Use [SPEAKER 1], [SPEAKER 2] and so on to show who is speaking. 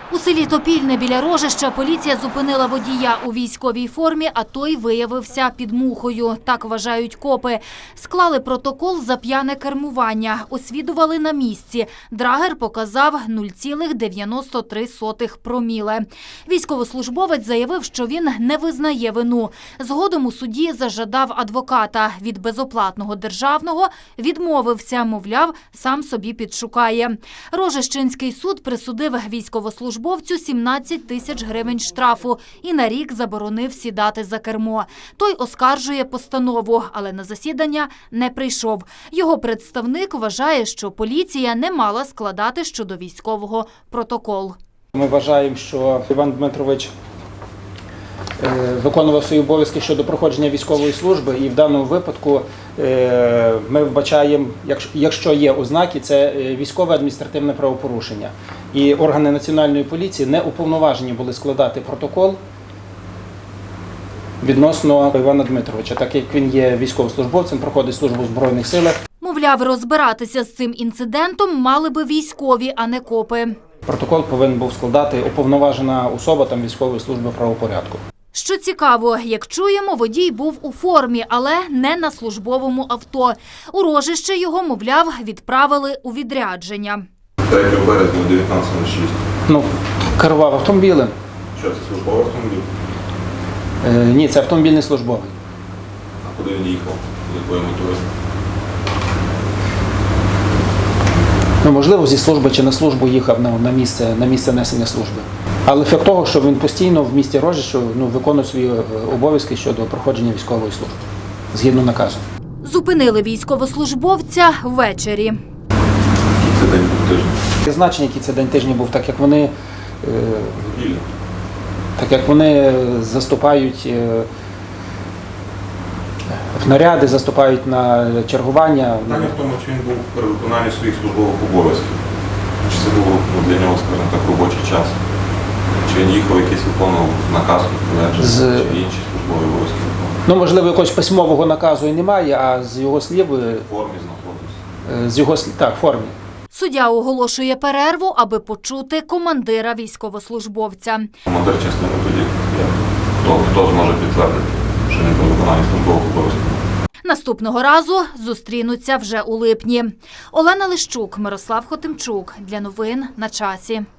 [SPEAKER 1] У селі Топільне біля Рожища поліція зупинила водія у військовій формі, а той виявився під мухою. Так вважають копи. Склали протокол за п'яне кермування. Освідували на місці. Драгер показав 0,93 проміле. Військовослужбовець заявив, що він не визнає вину. Згодом у суді зажадав адвоката. Від безоплатного державного відмовився, мовляв, сам собі підшукає. Рожищенський суд присудив військовослужбовцю 17 тисяч гривень штрафу і на рік заборонив сідати за кермо. Той оскаржує постанову, але на засідання не прийшов. Його представник вважає, що поліція не мала складати щодо військового протокол.
[SPEAKER 2] Ми вважаємо, що Іван Дмитрович виконував свої обов'язки щодо проходження військової служби, і в даному випадку ми вбачаємо, якщо є ознаки, це військове адміністративне правопорушення. І органи Національної поліції не уповноважені були складати протокол відносно Івана Дмитровича, так як він є військовослужбовцем, проходить службу в Збройних силах.
[SPEAKER 1] Мовляв, розбиратися з цим інцидентом мали би військові, а не копи.
[SPEAKER 2] Протокол повинен був складати уповноважена особа там, військової служби правопорядку.
[SPEAKER 1] Що цікаво, як чуємо, водій був у формі, але не на службовому авто. У Рожище його, мовляв, відправили у відрядження.
[SPEAKER 3] 3 березня 19:06.
[SPEAKER 2] Керував автомобілем.
[SPEAKER 3] Що це, службовий автомобіль?
[SPEAKER 2] Ні, це автомобіль не службовий.
[SPEAKER 3] А куди він їхав? З якою метою?
[SPEAKER 2] Можливо, зі служби чи на службу їхав на місце несення служби. Але факт того, що він постійно в місті Рожище виконує свої обов'язки щодо проходження військової служби, згідно наказу.
[SPEAKER 1] Зупинили військовослужбовця ввечері.
[SPEAKER 3] Який це день був тиждень?
[SPEAKER 2] Значення, який це день тижня був, так як вони заступають в наряди, заступають на чергування.
[SPEAKER 3] Питання в тому, чи він був при виконанні своїх службових обов'язків. Чи це було для нього, скажімо так, робочий час? Чи він їхав якийсь виконував наказ, чи інші службові обов'язки виконував?
[SPEAKER 2] Можливо, якогось письмового наказу і немає, а з його слів...
[SPEAKER 3] В формі знаходився?
[SPEAKER 2] Так, в формі.
[SPEAKER 1] Суддя оголошує перерву, аби почути командира військовослужбовця.
[SPEAKER 3] Командир частини тоді, хто зможе підтвердити, що він при виконанні службових обов'язків?
[SPEAKER 1] Наступного разу зустрінуться вже у липні. Олена Лищук, Мирослав Хотимчук. Для новин на часі.